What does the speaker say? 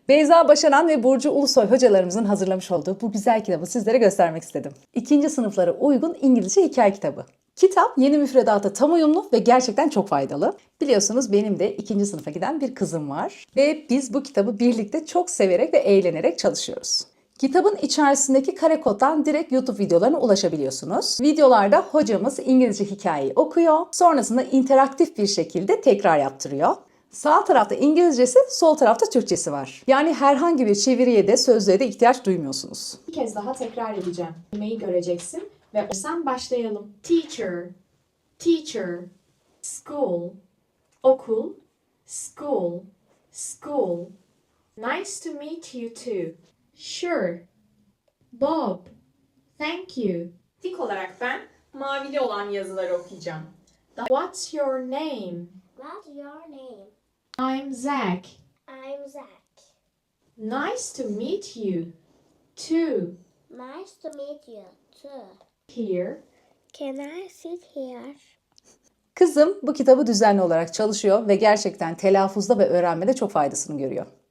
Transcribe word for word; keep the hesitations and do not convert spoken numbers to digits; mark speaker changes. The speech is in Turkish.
Speaker 1: Beyza Başaran ve Burcu Ulusoy hocalarımızın hazırlamış olduğu bu güzel kitabı sizlere göstermek istedim. İkinci sınıflara uygun İngilizce hikaye kitabı. Kitap yeni müfredata tam uyumlu ve gerçekten çok faydalı. Biliyorsunuz benim de ikinci sınıfa giden bir kızım var. Ve biz bu kitabı birlikte çok severek ve eğlenerek çalışıyoruz. Kitabın içerisindeki kare koddan direkt YouTube videolarına ulaşabiliyorsunuz. Videolarda hocamız İngilizce hikayeyi okuyor. Sonrasında interaktif bir şekilde tekrar yaptırıyor. Sağ tarafta İngilizcesi, sol tarafta Türkçesi var. Yani herhangi bir çeviriye de sözlüğe de ihtiyaç duymuyorsunuz.
Speaker 2: Bir kez daha tekrar edeceğim. Kelimeyi göreceksin ve sen başlayalım. Teacher, teacher, school, okul, school, school. Nice to meet you too. Sure. Bob, thank you. İlk olarak ben mavili olan yazıları okuyacağım. What's your name?
Speaker 3: What's your name?
Speaker 2: I'm Zach.
Speaker 3: I'm Zach.
Speaker 2: Nice to meet you too.
Speaker 3: Nice to meet you too.
Speaker 2: Here.
Speaker 3: Can I sit here?
Speaker 1: Kızım bu kitabı düzenli olarak çalışıyor ve gerçekten telaffuzda ve öğrenmede çok faydasını görüyor.